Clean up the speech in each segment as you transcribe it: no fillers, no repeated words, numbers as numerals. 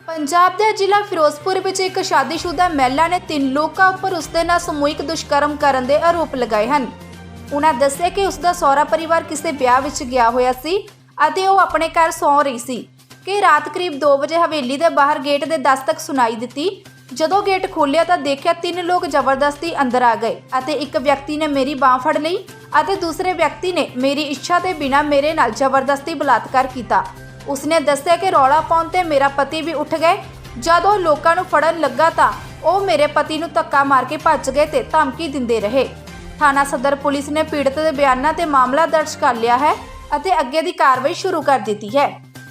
ਪੰਜਾਬ ਦੇ ਜ਼ਿਲ੍ਹਾ ਫਿਰੋਜ਼ਪੁਰ ਵਿੱਚ ਇੱਕ ਸ਼ਾਦੀशुदा ਮਹਿਲਾ ਨੇ 3 ਲੋਕਾਂ ਉੱਪਰ ਉਸਦੇ ਨਾਲ ਸਮੂਹਿਕ ਦੁਸ਼ਕਰਮ ਕਰਨ ਦੇ ਆਰੋਪ ਲਗਾਏ ਹਨ। ਉਹਨਾਂ ਦੱਸਿਆ ਕਿ ਉਸਦਾ ਸਹੁਰਾ ਪਰਿਵਾਰ ਕਿਸੇ ਵਿਆਹ ਵਿੱਚ ਗਿਆ ਹੋਇਆ ਸੀ ਅਤੇ ਉਹ ਆਪਣੇ ਘਰ ਸੌਂ ਰਹੀ ਸੀ ਕਿ ਰਾਤ ਕਰੀਬ 2 ਵਜੇ ਹਵੇਲੀ ਦੇ ਬਾਹਰ ਗੇਟ ਦੇ ਦਸਤਕ ਸੁਣਾਈ ਦਿੱਤੀ। ਜਦੋਂ ਗੇਟ ਖੋਲ੍ਹਿਆ ਤਾਂ ਦੇਖਿਆ 3 ਲੋਕ ਜ਼ਬਰਦਸਤੀ ਅੰਦਰ ਆ ਗਏ ਅਤੇ ਇੱਕ ਵਿਅਕਤੀ ਨੇ ਮੇਰੀ ਬਾਹ ਫੜ ਲਈ ਅਤੇ ਦੂਸਰੇ ਵਿਅਕਤੀ ਨੇ ਮੇਰੀ ਇੱਛਾ ਦੇ ਬਿਨਾਂ ਮੇਰੇ ਨਾਲ ਜ਼ਬਰਦਸਤੀ ਬਲਾਤਕਾਰ ਕੀਤਾ। ਉਸਨੇ ਦੱਸਿਆ ਕਿ ਰੌਲਾ ਪਾਉਣ ਤੇ ਮੇਰਾ ਪਤੀ ਵੀ ਉੱਠ ਗਏ। ਜਦੋਂ ਲੋਕਾਂ ਨੂੰ ਫੜਨ ਲੱਗਾ ਤਾਂ ਉਹ ਮੇਰੇ ਪਤੀ ਨੂੰ ਧੱਕਾ ਮਾਰ ਕੇ ਭੱਜ ਗਏ ਤੇ ਧਮਕੀ ਦਿੰਦੇ ਰਹੇ। ਥਾਣਾ ਸਦਰ ਪੁਲਿਸ ਨੇ ਪੀੜਤ ਦੇ ਬਿਆਨਾਂ ਤੇ ਮਾਮਲਾ ਦਰਜ ਕਰ ਲਿਆ ਹੈ ਅਤੇ ਅੱਗੇ ਦੀ ਕਾਰਵਾਈ ਸ਼ੁਰੂ ਕਰ ਦਿੱਤੀ ਹੈ।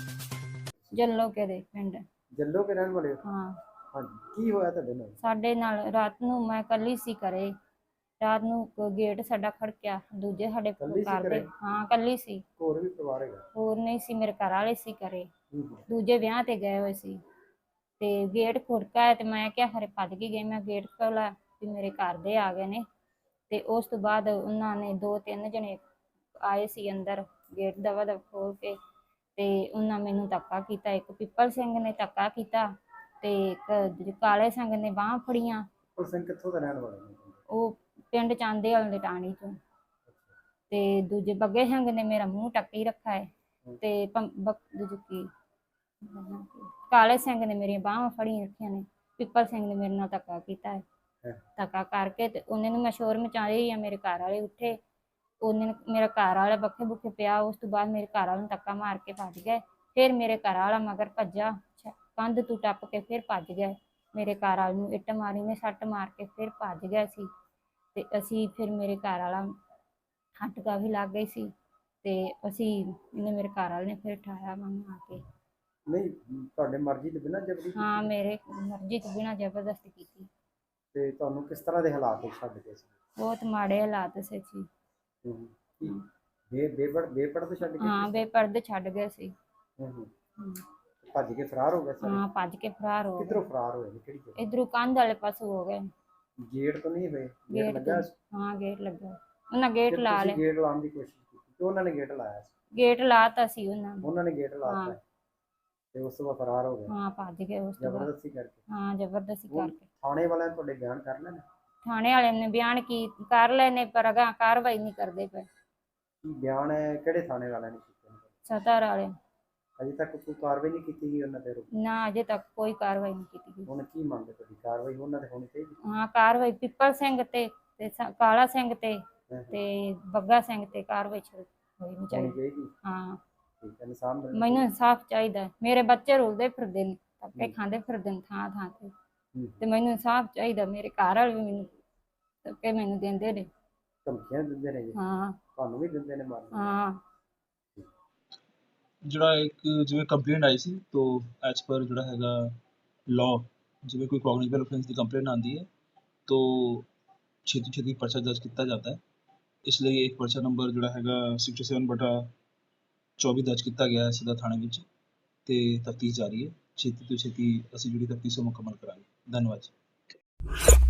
ਜੱਲੋਕੇ ਦੇ ਪਿੰਡ ਜੱਲੋ ਕੇ ਰਹਿਣ ਵਾਲੇ ਹੋ? ਹਾਂ। ਹਾਂਜੀ, ਕੀ ਹੋਇਆ ਤੁਹਾਡੇ ਨਾਲ? ਸਾਡੇ ਨਾਲ ਰਾਤ ਨੂੰ ਮੈਂ ਇਕੱਲੀ ਸੀ ਘਰੇ। ਰਾਤ ਨੂੰ ਗੇਟ ਸਾਡਾ ਖੜਕਿਆ, ਦੂਜੇ ਸਾਡੇ ਇਕੱਲੀ ਸੀ ਘਰ ਦੇ। ਘਰੇ? ਹਾਂ ਇਕੱਲੀ ਸੀ, ਹੋਰ ਵੀ ਪਰਿਵਾਰ ਹੈਗਾ? ਹੋਰ ਨਹੀਂ ਸੀ। ਮੇਰੇ ਘਰ ਵਾਲੇ ਸੀ ਘਰੇ, ਹੂੰ ਹੂੰ। ਦੂਜੇ ਵਿਆਹ ਤੇ ਗਏ ਹੋਏ ਸੀ ਤੇ ਗੇਟ ਖੁੜਕਾ ਤੇ ਮੈਂ ਕਿਹਾ ਖਰੇ ਭੱਜ ਕੇ ਗਏ। ਮੈਂ ਗੇਟ ਖੋਲ੍ਹਿਆ ਵੀ ਮੇਰੇ ਘਰ ਦੇ ਆ ਗਏ ਨੇ ਤੇ ਉਸ ਤੋਂ ਬਾਅਦ ਉਹਨਾਂ ਨੇ 2-3 ਜਣੇ ਆਏ ਸੀ ਅੰਦਰ, ਗੇਟ ਦਵਾ ਦਵ ਖੋਲ ਕੇ ਤੇ ਉਹਨਾਂ ਮੈਨੂੰ ਧੱਕਾ ਕੀਤਾ। ਇੱਕ ਪਿੱਪਲ ਸਿੰਘ ਨੇ ਧੱਕਾ ਕੀਤਾ ਤੇ ਇੱਕ ਕਾਲੇ ਸਿੰਘ ਨੇ ਬਾਹਾਂ ਫੜੀਆਂ। ਉਹ ਸਿੰਘ ਕਿੱਥੋਂ ਦਾ ਰਹਿਣ ਵਾਲਾ ਨੇ? ਉਹ ਪਿੰਡ ਚਾਂਦੇ ਵਾਲੇ ਟਾਣੀ ਤੋਂ। ਤੇ ਦੂਜੇ ਬੱਗੇ ਸਿੰਘ ਨੇ ਮੇਰਾ ਮੂੰਹ ਟੱਕੀ ਰੱਖਾ ਹੈ ਤੇ ਦੂਜੀ ਕਾਲੇ ਸਿੰਘ ਨੇ ਮੇਰੀਆਂ ਬਾਹਾਂ ਫੜੀਆਂ ਰੱਖੀਆਂ ਨੇ। ਪਿੱਪਲ ਸਿੰਘ ਨੇ ਮੇਰੇ ਨਾਲ ਧੱਕਾ ਕੀਤਾ ਹੈ। ਧੱਕਾ ਕਰਕੇ ਤੇ ਉਹਨੇ ਨੂੰ ਮੈਂ ਸ਼ੋਰ ਮਚਾਈ ਆ। ਮੇਰੇ ਘਰ ਵਾਲੇ ਉੱਠੇ, ਉਹਨੇ ਮੇਰਾ ਘਰ ਵਾਲਾ ਬੱਖੇ ਬੁੱਖੇ ਪਿਆ। ਉਸ ਤੋਂ ਬਾਅਦ ਮੇਰੇ ਘਰ ਵਾਲੇ ਨੂੰ ਧੱਕਾ ਮਾਰ ਕੇ ਭੱਜ ਗਏ। ਫਿਰ ਮੇਰੇ ਘਰ ਵਾਲਾ ਮਗਰ ਭੱਜਾ, ਕੰਧ ਤੋਂ ਟੱਪ ਕੇ ਫਿਰ ਭੱਜ ਗਏ। ਮੇਰੇ ਘਰ ਵਾਲੇ ਨੂੰ ਇੱਟ ਮਾਰੀ ਨੇ, ਸੱਟ ਮਾਰ ਕੇ ਫਿਰ ਭੱਜ ਗਿਆ ਸੀ ਤੇ ਅਸੀਂ ਫਿਰ ਮੇਰੇ ਘਰ ਵਾਲਾ ਹੱਟਕਾ ਵੀ ਲੱਗ ਗਈ ਸੀ ਤੇ ਇਹਨੇ ਮੇਰੇ ਘਰ ਵਾਲੇ ਨੇ ਫਿਰ ਉਠਾਇਆ ਮੈਨੂੰ ਆ ਕੇ। ਨਹੀਂ, ਤੁਹਾਡੇ ਮਰਜ਼ੀ ਤੋਂ ਬਿਨਾਂ ਜਬਰੀ? ਹਾਂ, ਮੇਰੇ ਮਰਜ਼ੀ ਤੋਂ ਬਿਨਾਂ ਜ਼ਬਰਦਸਤੀ ਕੀਤੀ। ਤੇ ਤੁਹਾਨੂੰ ਕਿਸ ਤਰ੍ਹਾਂ ਦੇ ਹਾਲਾਤ ਵਿੱਚ ਛੱਡ ਗਏ ਸੀ? ਬਹੁਤ ਮਾੜੇ ਹਾਲਾਤ ਸੀ ਜੀ। ਹੂੰ। ਬੇਪਰਦ ਛੱਡ ਗਏ? ਹਾਂ, ਬੇਪਰਦ ਛੱਡ ਗਏ ਸੀ। ਹੂੰ ਹੂੰ। ਭੱਜ ਕੇ ਫਰਾਰ ਹੋ ਗਏ ਸਾਰੇ? ਹਾਂ, ਭੱਜ ਕੇ ਫਰਾਰ ਹੋ ਗਏ। ਕਿੱਧਰੋਂ ਫਰਾਰ ਹੋਏ ਨੇ? ਕਿਹੜੀ ਜਗ੍ਹਾ? ਇਧਰੋਂ ਕੰਧ ਵਾਲੇ ਪਾਸੋਂ ਹੋ ਗਏ। ਗੇਟ ਤੋਂ ਨਹੀਂ ਹੋਏ? ਗੇਟ ਗੇਟ ਲੱਗਾ ਤੋਂ, ਸੀ? ਹਾਂ ਗੇਟ ਲੱਗਾ। ਉਹਨਾਂ ਗੇਟ ਫਿਰ ਲਾ ਤੁਸੀਂ ਲਿਆ। ਗੇਟ ਲਾਉਣ ਦੀ ਕੋਸ਼ਿਸ਼ ਕੀਤੀ ਤੇ ਉਹਨਾਂ ਨੇ ਗੇਟ ਲਾਇਆ ਸੀ? ਗੇਟ ਲਾਤਾ ਸੀ ਉਹਨਾਂ ਨੇ। ਉਹਨਾਂ ਨੇ ਗੇਟ ਹਾਂ। ਲਾਤਾ ਤੇ ਉਸ ਤੋਂ ਬਾਅਦ ਫਰਾਰ ਹੋ ਗਏ? ਹਾਂ, ਭੱਜ ਗਏ ਉਸ ਤੋਂ ਬਾਅਦ। ਜ਼ਬਰਦਸਤੀ ਕਰਕੇ? ਹਾਂ, ਜ਼ਬਰਦਸਤੀ ਹੁਣ ਕਰਕੇ। ਥਾਣੇ ਵਾਲਿਆਂ ਨੇ ਤੁਹਾਡੇ ਬਿਆਨ ਕਰ ਲੈਣੇ? ਥਾਣੇ ਵਾਲਿਆਂ ਨੇ ਬਿਆਨ ਕਰ ਲਏ ਨੇ ਪਰ ਅਗਾਂਹ ਕਾਰਵਾਈ ਨਹੀਂ ਕਰਦੇ ਪਏ। ਕੀ ਬਿਆਨ ਹੈ? ਕਿਹੜੇ ਥਾਣੇ ਵਾਲਿਆਂ ਨੇ ਕੀਤੇ ਨੇ? ਸਦਰ ਵਾਲੇ। ਅਜੇ ਤੱਕ ਕੋਈ ਕਾਰਵਾਈ ਨਹੀਂ ਕੀਤੀ ਗਈ ਉਹਨਾਂ ਤੇ? ਨਾ, ਅਜੇ ਤੱਕ ਕੋਈ ਕਾਰਵਾਈ ਨਹੀਂ ਕੀਤੀ ਗਈ। ਹੁਣ ਕੀ ਮੰਗ ਤੁਹਾਡੀ? ਕਾਰਵਾਈ ਉਹਨਾਂ ਤੇ ਹੋਣੀ ਚਾਹੀਦੀ? ਹਾਂ, ਕਾਰਵਾਈ ਪਿੱਪਲ ਸਿੰਘ ਤੇ ਕਾਲਾ ਸਿੰਘ ਤੇ ਬੱਗਾ ਸਿੰਘ ਤੇ ਕਾਰਵਾਈ ਹੋਣੀ ਹੋਣੀ ਚਾਹੀਦੀ। ਚਾਹੀਦੀ? ਹਾਂ, ਠੀਕ ਹੈ। ਇਨਸਾਨ ਮਿਲਣਾ ਮੈਨੂੰ ਚਾਹੀਦਾ? ਇਨਸਾਫ ਚਾਹੀਦਾ। ਮੇਰੇ ਬੱਚੇ ਰੁਲਦੇ ਫਿਰਦੇ ਨੇ, ਧੱਕੇ ਖਾਂਦੇ ਫਿਰਦੇ ਨੇ ਥਾਂ ਥਾਂ ਤੇ ਤੇ ਮੈਨੂੰ ਇਨਸਾਫ ਚਾਹੀਦਾ। ਮੇਰੇ ਘਰ ਵਾਲੇ ਵੀ ਮੈਨੂੰ ਧੱਕੇ ਮੈਨੂੰ ਦਿੰਦੇ ਨੇ। ਧਮਕੀਆਂ ਦਿੰਦੇ ਨੇ ਜੀ? ਹਾਂ ਤੁਹਾਨੂੰ ਵੀ ਦਿੰਦੇ ਨੇ ਮਾਰਨ? ਹਾਂ। ਜਿਹੜਾ ਇੱਕ ਜਿਵੇਂ ਕੰਪਲੇਂਟ ਆਈ ਸੀ ਤੋ ਐਜ਼ ਪਰ ਜਿਹੜਾ ਹੈਗਾ ਲਾਅ, ਜਿਵੇਂ ਕੋਈ ਕੌਗਨੀਬਲ ਅਫੈਂਸ ਦੀ ਕੰਪਲੇਂਟ ਆਉਂਦੀ ਹੈ ਤੋ ਛੇਤੀ ਪਰਚਾ ਦਰਜ ਕੀਤਾ ਜਾਂਦਾ ਹੈ। ਇਸ ਲਈ ਇੱਕ ਪਰਚਾ ਨੰਬਰ ਜਿਹੜਾ ਹੈਗਾ 67/24 ਦਰਜ ਕੀਤਾ ਗਿਆ ਹੈ ਸਦਰ ਥਾਣੇ ਵਿੱਚ ਤੇ ਤਫਤੀਸ਼ ਜਾਰੀ ਹੈ। ਛੇਤੀ ਤੋਂ ਛੇਤੀ ਅਸੀਂ ਜਿਹੜੀ ਤਫਤੀਸ਼ ਉਹ ਮੁਕੰਮਲ ਕਰਾਂਗੇ। ਧੰਨਵਾਦ ਜੀ।